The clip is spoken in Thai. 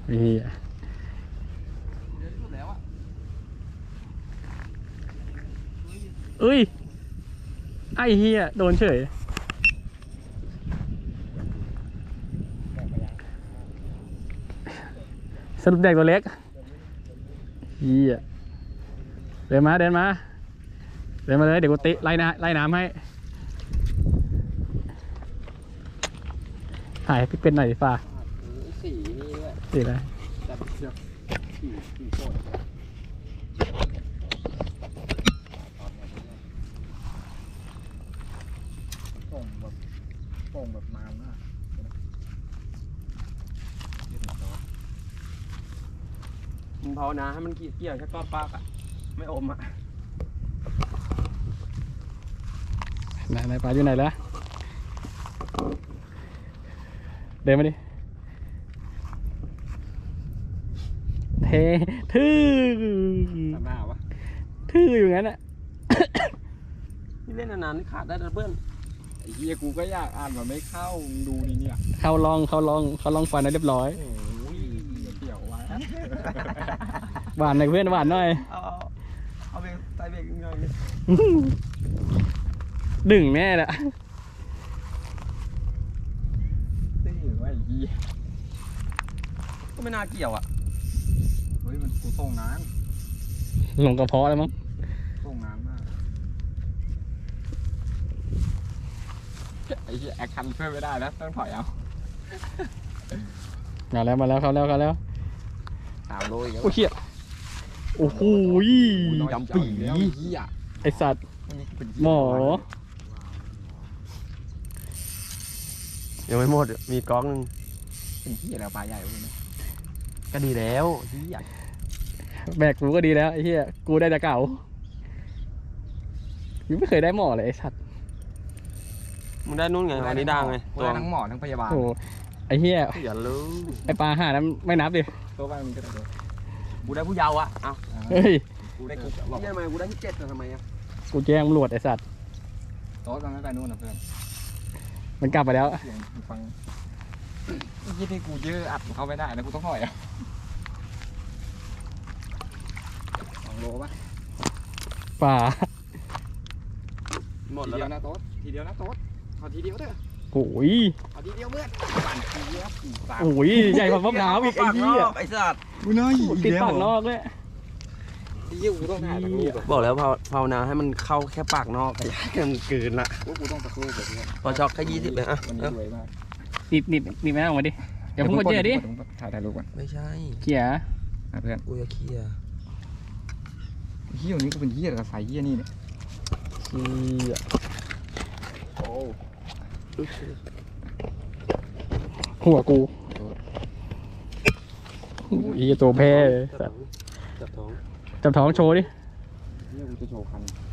นี่เอ้ยไอ้เฮียโดนเฉยสรุปแดกตัวเล็กเฮียเดินมาเลยเดี๋ยวกูติไล่น้ำให้ถ่ายพี่เป็นหน่อยดิฟ้าสีนี่ด้วยสีอะไรแต่เชือกสีโคตรโป่งแบบนานมากมึงภาวนาให้มันเกี่ยวแค่ก้อนปากอ่ะไม่อมอ่ะไหนปลาอยู่ไหนแล้วเดินมาดิทื่อหน้าวะทื่ออยู่งั้นอ่ะนี่เล่นนานๆนี่ขาดได้นะเพื่อนไอ้เหี้ยกูก็อยากอ่านมันไม่เข้าดูนี่เนี่ยเขาลองฟันได้เรียบร้อยโอ้ยเกี่ยวไว้หวานหน่อยเพื่อนหวานหน่อยเอาไปใส่เบรกหน่อยดึงแน่แหละตีไว้ยี่ก็ไม่น่าเกี่ยวอ่ะเฮ้ยมันกูส่งน้ำลงกระเพาะแล้วมั้งส่งน้ำมากไอ้แอคชั่นช่วยไม่ได้แล้วต้องถอยเอามาแล้วเขาแล้ว 3 โลอีกแล้วโอ้เหี้ยโอ้โหจำปีไอสัตว์หมอยังไม่หมดมีก๊อกนึงเป็นเหี้ยแล้วปลาใหญ่เลยนะก็ดีแล้วเหี้ยแบกกูก็ดีแล้วไอ้เหี้ยกูได้แต่เก่ายังไม่เคยได้หมอเลยไอ้สัตว์มึงได้นู่นไงอันนี้ดังไงตัวทั้งหมอทั้งพยาบาลโอ้ไอ้เหี้ยอย่ารู้ไอ้ปลาห่านั้นไม่นับดิตัวไปมันก็ได้กูได้ผู้เยาว์อ่ะเอ้าเฮ้ยกูได้ที่ทำไมกูได้ที่ 7นะทำไมอ่ะกูแจ้งตำรวจไอ้สัตว์โต๊ะมันไม่ไปนู่นนะเพื่อนมันกลับไปแล้วฟังยี่ที่กูยื้ออัดเขาไม่ได้นะกูต้องถอยอ่ะ2 โลป่ะป่าหมดทีแล้วเดียวนะโต๊ะทีเดียวนะโต๊ะเอาทีเดียวเถอะโอ้ยเอาทีเดียวเมื่อปั่นทีเดียวโอ้ยใหญ่กว่ามะพร้าวอีกไอ้เหี้ยไอ้สัตว์กูน้อยติดปากนอกเลยยี่กูต้องถ่ายตะลุกบอกแล้วภาวนาให้มันเข้าแค่ปากนอกอย่าให้มันเกินละกูต้องตะลุกแบบนี้พอช็อกแค่20เลยอ่ะมันรวยมากนิบแม่ออกมาดิอย่าพุ่งกดเจดิถ่ายรูปก่อนไม่ใช่เขี่ยเพื่อนกูจะเขี่ยเหี้ยนี้ก็เป็นเหี้ยกับสายเหี้ยนี่เนี่ยโอ้หัวกูอีตัวแพ้จับท้องโชว์ดิเนี่ยกูจะโชว์คัน